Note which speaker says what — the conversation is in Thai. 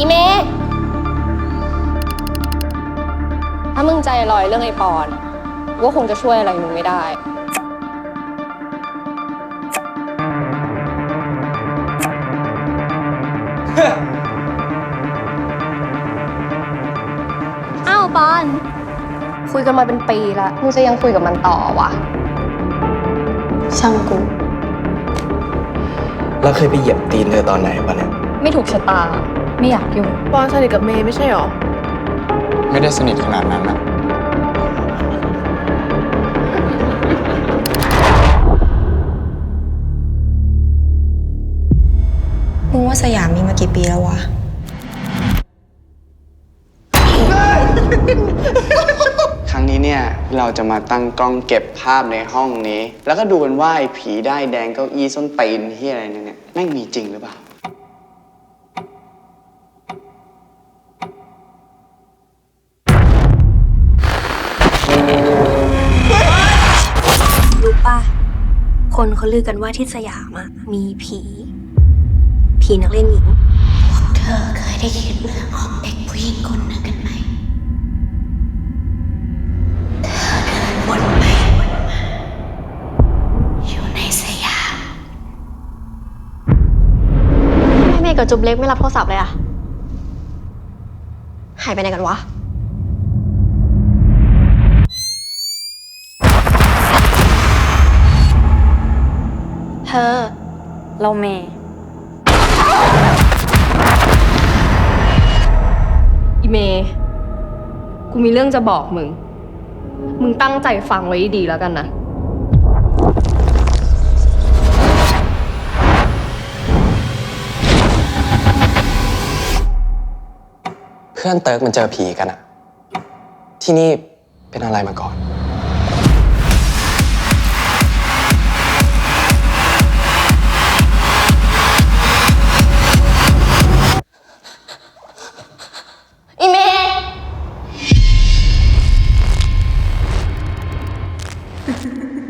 Speaker 1: อีเมย์ถ้ามึงใจลอยเรื่องไอ้ปอนก็คงจะช่วยอะไรมึงไม่ได้
Speaker 2: อ้าวปอนคุยกันมาเป็นปีละมึงจะยังคุยกับมันต่อวะช่างกู
Speaker 3: แล้วเคยไปเหยียบตีนเธอตอนไหนปะเนี่ย
Speaker 1: ไม่ถูกชะตาไม่อยากยุ่ง
Speaker 4: ปอนสนิทกับเมย์ไม่ใช่หรอ
Speaker 5: ไม่ได้สนิทขนาดนั้นนะ
Speaker 6: มึงว่าสยามมีมากี่ปีแล้ววะ
Speaker 7: ครั้งนี้เนี่ยเราจะมาตั้งกล้องเก็บภาพในห้องนี้ แล้วก็ดูกันว่าไอ้ผีได้แดงเก้าอี้ส้นตีนที่อะไรเนี่ยแม่งมีจริงหรือเปล่า
Speaker 6: รู้ป่ะ คนเขาลือกันว่าที่สยามอะมีผี นักเล่นหญิง เธอเคยได้ยินเรื่องของเด็กผู้หญิงคนหนึ่งกันไหม เธอเดินวนไปวนมาอยู่ในสยาม
Speaker 2: แม่เมย์กับจุ๊บเล็กไม่รับโทรศัพท์เลยอะหายไปไหนกันวะเธอเราเมย์อีเมย์กูมีเรื่องจะบอกมึง มึงตั้งใจฟังไว้ดีแล้วกันนะ
Speaker 3: เพื่อนเติร์กมันเจอผีกันอะที่นี่เป็นอะไรมาก่อน
Speaker 2: อีเมย์